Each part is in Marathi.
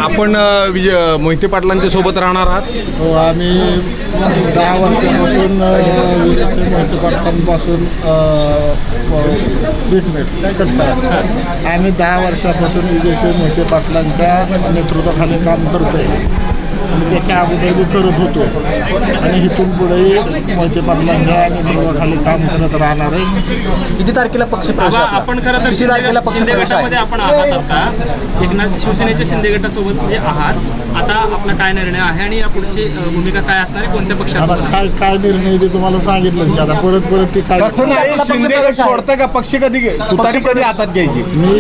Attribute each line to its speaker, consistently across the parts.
Speaker 1: आपण मोहिते पाटलांच्या सोबत राहणार आहात?
Speaker 2: हो, आम्ही 10 वर्षापासून मोहिते पाटलांपासून ट्रीटमेंट करतात. आम्ही 10 वर्षापासून विजयसिंह मोहिते पाटलांच्या नेतृत्वाखाली काम करतो आहे आणि त्याच्या अगोदर बी करत होतो आणि इथून पुढेही मोहिते पाटलांच्या नेतृत्वाखाली काम करत राहणार आहे.
Speaker 3: किती तारखेला पक्ष
Speaker 4: आपण खरं तर शिंदे गटामध्ये आपण आहात आता एकनाथ शिवसेनेच्या शिंदे गटासोबत म्हणजे आहात. आता आपला काय निर्णय आहे आणि या पुढची भूमिका काय असणार आहे, कोणत्या पक्षात?
Speaker 2: आता काय निर्णय ते तुम्हाला सांगितलं की आता परत ती काय
Speaker 1: तसं नाही, शिंदे गट सोडतं का? पक्ष कधी तुतारी कधी हातात घ्यायची?
Speaker 2: मी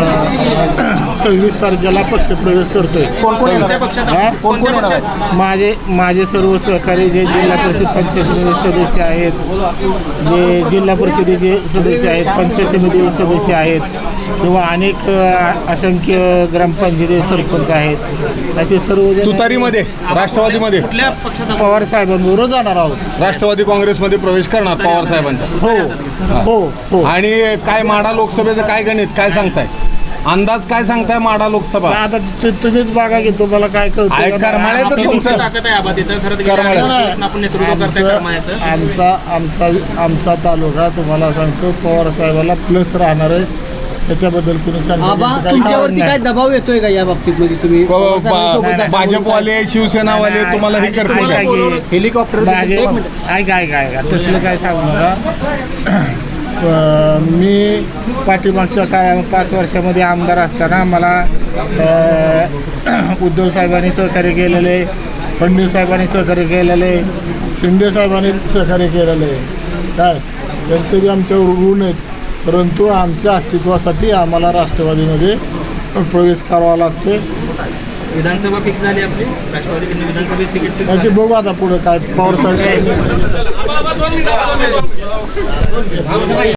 Speaker 2: 26 तारखेला पक्षप्रवेश करतोय.
Speaker 4: कोणत्या पक्षात?
Speaker 2: माझे सर्व सहकारी जे जिल्हा परिषद पंचायत समिती सदस्य आहेत, जे जिल्हा परिषदेचे सदस्य आहेत, पंचायत समिती सदस्य आहेत किंवा अनेक असंख्य ग्रामपंचायती सरपंच आहेत, असे सर्व
Speaker 1: तुतारीमध्ये राष्ट्रवादीमध्ये
Speaker 4: कुठल्या पक्षात?
Speaker 2: पवार साहेबांबरोबर जाणार आहोत.
Speaker 1: राष्ट्रवादी काँग्रेसमध्ये प्रवेश करणार पवार साहेबांच्या?
Speaker 2: हो हो.
Speaker 1: आणि काय माढा लोकसभेचं काय गणित काय सांगताय? अंदाज काय सांगताय माढा लोकसभा?
Speaker 2: आता तुम्हीच बघा की तुम्हाला काय कळतं.
Speaker 1: करमाळ्याचं तुमचं
Speaker 4: ताकद आहे आबा तिथं खरं
Speaker 1: करमाळ्याचं
Speaker 4: आपण नेतृत्व करताय करमाळ्याचं.
Speaker 2: आमचा तालुका तुम्हाला सांगतो पवार साहेबाला प्लस राहणार आहे. त्याच्याबद्दल कुणी
Speaker 3: तुमच्यावरती काय दबाव येतोय का या बाबतीत? मध्ये तुम्ही
Speaker 1: भाजपवाले शिवसेनावाले तुम्हाला हे करतील का?
Speaker 3: हेलिकॉप्टर
Speaker 2: ऐका तसलं काय सांगू नका. मी पाठीमागच्या 5 वर्षामध्ये आमदार असताना मला उद्धव साहेबांनी सहकार्य केलेले, फडणवीस साहेबांनी सहकार्य केलेले, शिंदे साहेबांनी सहकार्य केलेले काय त्यांचे बी आमच्यावर ऋण आहेत. परंतु आमच्या अस्तित्वासाठी आम्हाला राष्ट्रवादीमध्ये प्रवेश करावा लागतो.
Speaker 4: विधानसभा फिक्स झाली आपली राष्ट्रवादी विधानसभेची तिकीट फिक्स
Speaker 2: ते बघू आता पुढे काय पवार साहेब